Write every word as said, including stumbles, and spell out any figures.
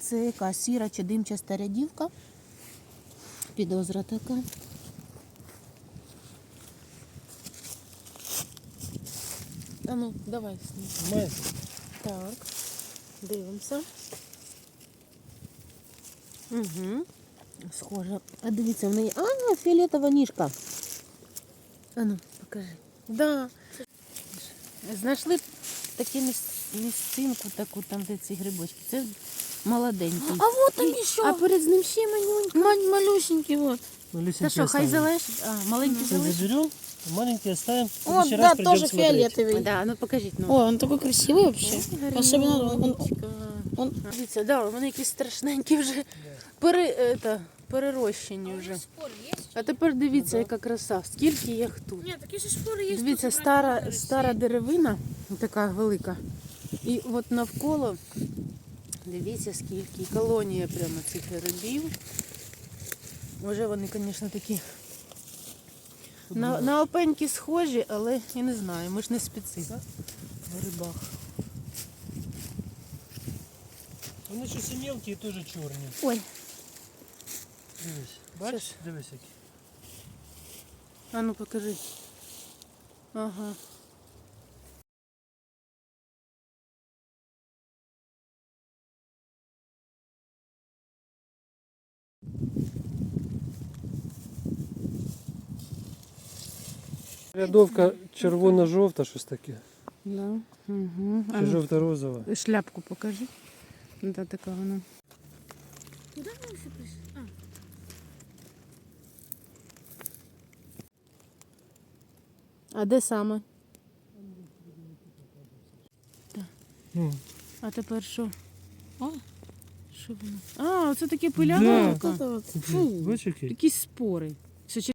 це яка сіра чи димчаста рядівка. Підозра така. А ну, давай сніг. Так, дивимося. Угу. Схоже. А дивіться, в неї... А, фіолетова ніжка. А ну, покажи. Да. Знайшли таку місцинку, таку, там, де ці грибочки. Це молоденький. А вот там І- еще. А перед ним ще маленький. Мань, малюсенький вот. Та що, хай залишить? А, маленький залишить? Заберем, маленький оставим. В Вот, следующий да, раз придем тоже смотреть. фиолетовый. Да, ну покажіть. Ну. Ой, он такой красивый вообще. Особенно он, он, он- Дивіться, да, вони якісь страшненькі вже пере, это, перерощені вже. А тепер дивіться, яка краса. Скільки їх тут. Нет, такие же шпоры есть. Дивіться, стара, стара деревина, така велика. І от навколо, дивіться, скільки. І колонія прямо цих грибів. Може вони, звісно, такі на, на опеньки схожі, але я не знаю, ми ж не спеці в грибах. Вони щось і мелкі, і теж чорні. Ой, Дивись, бачиш? Дивись які. а ну покажи. Ага. Рядовка червоно-жовта, щось таке. Да. Угу. Чи жовто-розова. Шляпку покажи. Да, така вона. Куда мы еще пришли? А, А де саме? Ну, А тепер що? А? Що воно? А, оце таке пиляка. Да. вот это вот. Фу, бачиш який? якісь спори. Що,